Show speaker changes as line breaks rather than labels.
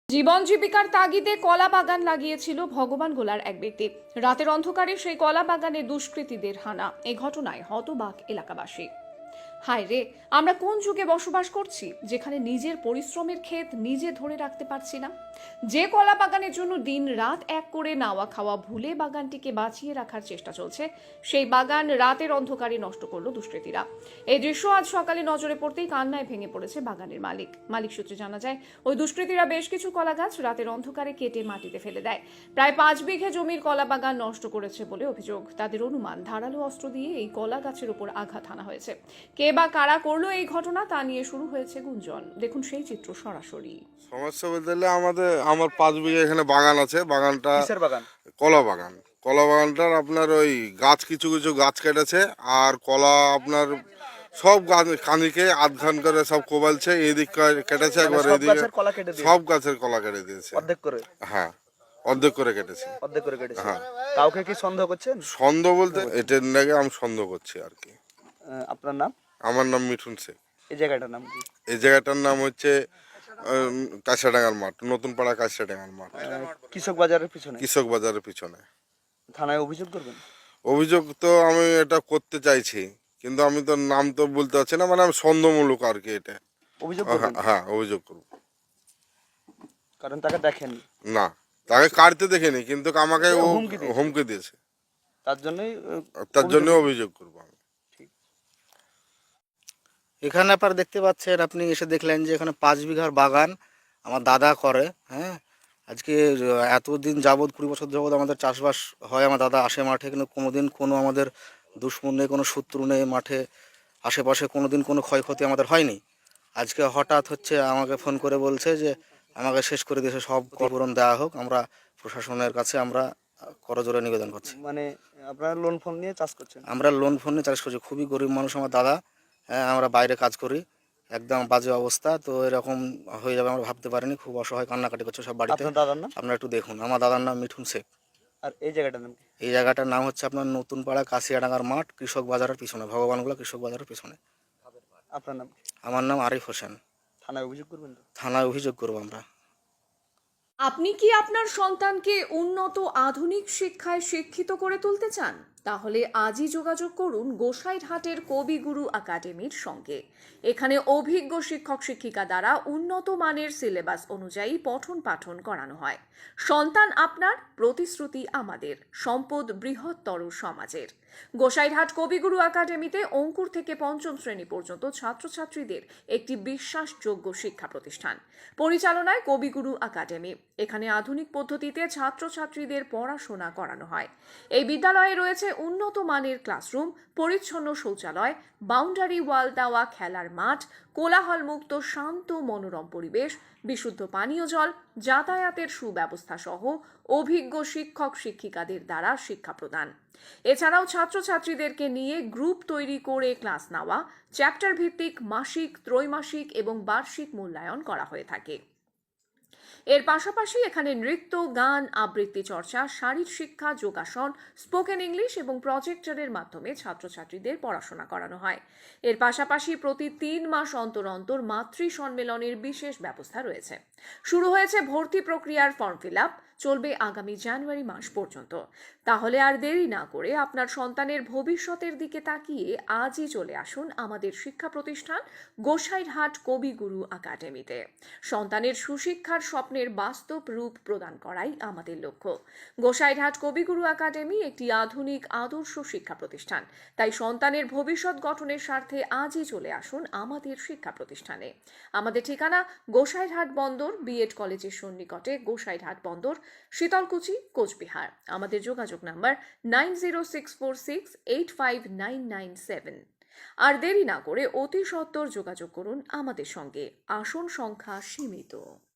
জীবন জীবিকার তাগিদে কলা বাগান লাগিয়েছিল ভগবান গোলার এক ব্যক্তি। রাতের অন্ধকারে সেই কলা বাগানে দুষ্কৃতীদের হানা। এই ঘটনায় হতবাক এলাকাবাসী। হায় রে, আমরা কোন যুগে বসবাস করছি যেখানে নিজের পরিশ্রমের ক্ষেত নিজে ধরে রাখতে পারছি না। যে কলা বাগানের জন্য দিন রাত এক করে নাওয়া খাওয়া ভুলে বাগানটিকে বাঁচিয়ে রাখার চেষ্টা চলছে, সেই বাগান রাতের অন্ধকারে নষ্ট করলো দুষ্কৃতীরা। এই দৃশ্য আজ সকালে নজরে পড়তেই কান্নায় ভেঙে পড়েছে বাগানের মালিক সূত্রে জানা যায়, ওই দুষ্কৃতীরা বেশ কিছু কলা গাছ রাতের অন্ধকারে কেটে মাটিতে ফেলে দেয়। প্রায় 5 বিঘে জমির কলা বাগান নষ্ট করেছে বলে অভিযোগ। তাদের অনুমান, ধারালো অস্ত্র দিয়ে এই কলা গাছের উপর আঘাত হানা হয়েছে। কে বা কারা করলো এই ঘটনা তা নিয়ে শুরু হয়েছে গুঞ্জন। দেখুন সেই চিত্র সরাসরি।
সমস্যা বলতে গেলে আমার 5 বিঘা এখানে বাগান আছে। বাগানটা
কিসের বাগান?
কলা বাগান। কলা বাগানটার আপনার ওই গাছ কিছু কিছু গাছ কেটেছে, আর কলা আপনার সব গাছ কাঁদিকে আধখান করে সব কোবালছে। এদিক কেটেছে একবার, এদিকে সব গাছের কলা কেটে দিয়েছে
অর্ধেক করে।
হ্যাঁ, অর্ধেক করে কেটেছে।
অর্ধেক করে কেটেছে।
হ্যাঁ।
কাউকে কি সন্দেহ করছেন?
সন্দেহ বলতে এটার নাকি আমি সন্দেহ করছি আর কি।
আপনার নাম?
আমার নাম মিঠুন শেখ।
এই জায়গাটার নাম কি?
এই জায়গাটার নাম হচ্ছে কাঁচরাডাঙ্গার মাঠ, নতুন পাড়া কাঁচরাডাঙ্গার মাঠ,
কৃষক বাজারের পিছনে।
কৃষক বাজারের পিছনে।
থানায় অভিযোগ করবেন?
অভিযোগ তো আমি এটা করতে চাইছি, কিন্তু আমি তো নাম তো বলতে পারছি না, মানে আমি সন্দেহমূলক আর কি এটা।
অভিযোগ করবেন?
হ্যাঁ, অভিযোগ করব।
কারণ তাকে দেখেন
না, তাকে কাটতে দেখিনি, কিন্তু আমাকে ও হুমকি দিয়েছে।
তার জন্যই
অভিযোগ করব আমি।
এখানে আপনারা দেখতে পাচ্ছেন, আপনি এসে দেখলেন যে এখানে 5 বিঘার বাগান আমার দাদা করে। হ্যাঁ, আজকে এতদিন যাবৎ 20 বছর যাবৎ আমাদের চাষবাস হয়। আমার দাদা আসে মাঠে, কিন্তু কোনোদিন কোনো আমাদের দুশ্মন নেই, কোনো শত্রু নেই মাঠে আশেপাশে, কোনোদিন কোনো ক্ষয়ক্ষতি আমাদের হয়নি। আজকে হঠাৎ হচ্ছে আমাকে ফোন করে বলছে যে আমাকে শেষ করে দিয়েছে, সব ক্ষতিপূরণ দেওয়া হোক। আমরা প্রশাসনের কাছে আমরা করজোড়ে নিবেদন করছি।
মানে আপনারা লোন ফোন নিয়ে চাষ করছেন?
আমরা লোন ফোন নিয়ে চাষ করছি। খুবই গরিব মানুষ আমার দাদা। হ্যাঁ, আমরা বাইরে কাজ করি, একদম বাজে অবস্থা। তো এরকম হয়ে যাবে আমরা ভাবতে পারিনি। খুব অসহায়, কান্নাকাটি করছে সব বাড়িতে।
আপনার দাদার নাম?
আপনারা একটু দেখুন। আমার দাদার নাম মিঠুন শেখ।
আর এই জায়গাটার নাম কি?
এই জায়গাটার নাম হচ্ছে আপনার নতুন পাড়া কাশিয়াডাঙ্গার মাঠ, কৃষক বাজারের পিছনে, ভগবানগোলা কৃষক বাজারের পিছনে।
আপনার নাম?
আমার নাম আরিফ হোসেন।
থানায় অভিযোগ করবেন তো?
থানায় অভিযোগ করবো আমরা।
আপনি কি আপনার সন্তানকে উন্নত আধুনিক শিক্ষায় শিক্ষিত করে তুলতে চান? তাহলে আজই যোগাযোগ করুন গোসাইরহাটের কবিগুরু একাডেমির সঙ্গে। এখানে অভিজ্ঞ শিক্ষক শিক্ষিকা দ্বারা উন্নত মানের সিলেবাস অনুযায়ী পঠন পাঠন করানো হয়। সন্তান আপনার, প্রতিশ্রুতি আমাদের, সম্পদ বৃহত্তর সমাজের। গোসাইরহাট কবিগুরু একাডেমিতে অঙ্কুর থেকে 5ম শ্রেণী পর্যন্ত ছাত্রছাত্রীদের একটি বিশ্বাসযোগ্য শিক্ষা প্রতিষ্ঠান। পরিচালনায় কবিগুরু একাডেমি। এখানে আধুনিক পদ্ধতিতে ছাত্রছাত্রীদের পড়াশোনা করানো হয়। এই বিদ্যালয়ে রয়েছে উন্নত মানের ক্লাসরুম, পরিচ্ছন্ন শৌচালয়, বাউন্ডারি ওয়াল দেওয়া খেলার মাঠ, কোলাহলমুক্ত শান্ত মনোরম পরিবেশ, বিশুদ্ধ পানীয় জল, যাতায়াতের সুব্যবস্থা সহ অভিজ্ঞ শিক্ষক শিক্ষিকাদের দ্বারা শিক্ষা প্রদান। এছাড়াও ছাত্রছাত্রীদেরকে নিয়ে গ্রুপ তৈরি করে ক্লাস নেওয়া, চ্যাপ্টার ভিত্তিক মাসিক, ত্রৈমাসিক এবং বার্ষিক মূল্যায়ন করা হয়ে থাকে। এর পাশাপাশি এখানে নৃত্য, গান, আবৃত্তি চর্চা, শারীর শিক্ষা, যোগাসন, স্পোকেন ইংলিশ এবং প্রজেক্টরের মাধ্যমে ছাত্রছাত্রীদের পড়াশোনা করানো হয়। এর পাশাপাশি প্রতি 3 মাস অন্তর অন্তর মাতৃ সম্মেলনের বিশেষ ব্যবস্থা রয়েছে। শুরু হয়েছে ভর্তি প্রক্রিয়ার ফর্ম ফিল আপ, চলবে আগামী জানুয়ারি মাস পর্যন্ত। তাহলে আর দেরি না করে আপনার সন্তানের ভবিষ্যতের দিকে তাকিয়ে আজই চলে আসুন আমাদের শিক্ষা প্রতিষ্ঠান গোসাইরহাট কবিগুরু একাডেমিতে। সন্তানের সুশিক্ষার স্বপ্নের বাস্তব রূপ প্রদান করাই আমাদের লক্ষ্য। গোসাইরহাট কবিগুরু একাডেমি একটি আধুনিক আদর্শ শিক্ষা প্রতিষ্ঠান। তাই সন্তানের ভবিষ্যৎ গঠনের স্বার্থে আজই চলে আসুন আমাদের শিক্ষা প্রতিষ্ঠানে। আমাদের ঠিকানা গোসাইরহাট বন্দর, বিএড কলেজের সন্নিকটে, গোসাইরহাট বন্দর, শীতলকুচি, কোচবিহার। আমাদের যোগাযোগ নাম্বার 9064685997। আর দেরি না করে অতি সত্বর যোগাযোগ করুন আমাদের সঙ্গে। আসন সংখ্যা সীমিত।